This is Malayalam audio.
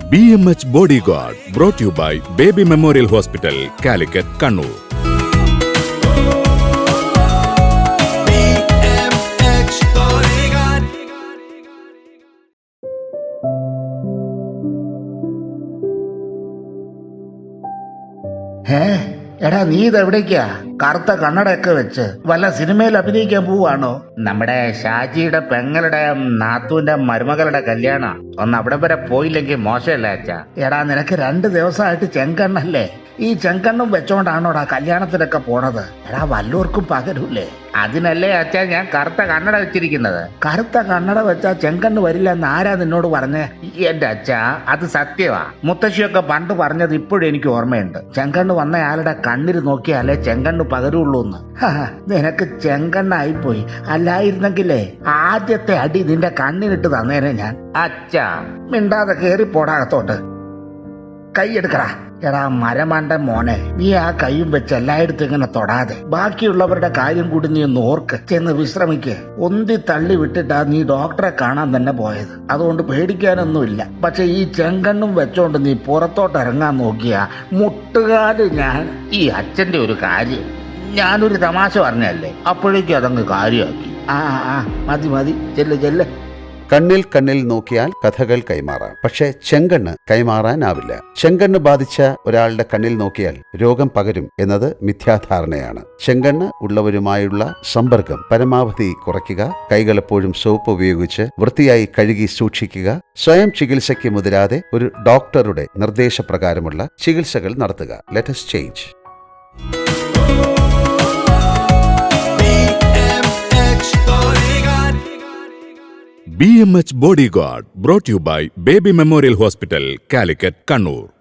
BMH Bodyguard brought to you by Baby Memorial Hospital, Calicut, Kannur. BMH Bodyguard. എടാ നീ ഇതെവിടേക്കാ കറുത്ത കണ്ണടയൊക്കെ വെച്ച് വല്ല സിനിമയിൽ അഭിനയിക്കാൻ പോവാണോ? നമ്മുടെ ഷാജിയുടെ പെങ്ങളുടെ നാത്തൂന്റെ മരുമകളുടെ കല്യാണം ഒന്ന് അവിടെ വരെ പോയില്ലെങ്കിൽ മോശമല്ലേ അച്ഛാ? എടാ നിനക്ക് 2 ദിവസമായിട്ട് ചെങ്കണ്ണല്ലേ? ഈ ചെങ്കണ്ണും വെച്ചോണ്ടാണോടാ കല്യാണത്തിനൊക്കെ പോണത്? എടാ വല്ലവർക്കും പകരൂലേ? അതിനല്ലേ അച്ഛാ ഞാൻ കറുത്ത കണ്ണട വെച്ചിരിക്കുന്നത്. കറുത്ത കണ്ണട വെച്ചാ ചെങ്കണ്ണ് വരില്ല എന്ന് ആരാ നിന്നോട് പറഞ്ഞേ? എന്റെ അച്ഛാ അത് സത്യമാ. മുത്തശ്ശിയൊക്കെ പണ്ട് പറഞ്ഞത് ഇപ്പോഴും എനിക്ക് ഓർമ്മയുണ്ട്. ചെങ്കണ്ണ് വന്നയാളുടെ കണ്ണിൽ നോക്കിയാലേ ചെങ്കണ്ണ് പകരുള്ളൂ എന്ന്. നിനക്ക് ചെങ്കണ്ണായിപ്പോയി. അല്ലായിരുന്നെങ്കിലേ ആദ്യത്തെ അടി നിന്റെ കണ്ണിനിട്ട് തന്നേനെ ഞാൻ. അച്ഛാ മിണ്ടാതെ കേറി പോടാകത്തോട്ട്. കൈയെടുക്കടാ. എടാ മരമണ്ട മോനെ, നീ ആ കൈയും വെച്ച് എല്ലായിടത്തും ഇങ്ങനെ തൊടാതെ ബാക്കിയുള്ളവരുടെ കാര്യം കൂടി നീ ഒന്ന് ഓർക്ക്. ചെന്ന് വിശ്രമിക്ക്. ഒന്തി തള്ളി വിട്ടിട്ടാ നീ ഡോക്ടറെ കാണാൻ തന്നെ പോയത്. അതുകൊണ്ട് പേടിക്കാനൊന്നുമില്ല. പക്ഷെ ഈ ചെങ്കണ്ണും വെച്ചോണ്ട് നീ പുറത്തോട്ട് ഇറങ്ങാൻ നോക്കിയാ മുട്ടുകാല് ഞാൻ. ഈ അച്ഛന്റെ ഒരു കാര്യം ഞാനൊരു തമാശ പറഞ്ഞല്ലേ, അപ്പോഴേക്കും അതങ്ങ് കാര്യമാക്കി. മതി ചെല്ല്. കണ്ണിൽ കണ്ണിൽ നോക്കിയാൽ കഥകൾ കൈമാറാം, പക്ഷേ ചെങ്കണ്ണ് കൈമാറാനാവില്ല. ചെങ്കണ്ണ് ബാധിച്ച ഒരാളുടെ കണ്ണിൽ നോക്കിയാൽ രോഗം പകരും എന്നത് മിഥ്യാധാരണയാണ്. ചെങ്കണ്ണ് ഉള്ളവരുമായുള്ള സമ്പർക്കം പരമാവധി കുറയ്ക്കുക. കൈകൾ എപ്പോഴും സോപ്പ് ഉപയോഗിച്ച് വൃത്തിയായി കഴുകി സൂക്ഷിക്കുക. സ്വയം ചികിത്സയ്ക്ക് മുതിരാതെ ഒരു ഡോക്ടറുടെ നിർദ്ദേശപ്രകാരമുള്ള ചികിത്സകൾ നടത്തുക. Let us change. BMH Bodyguard brought to you by Baby Memorial Hospital, Calicut, Kannur.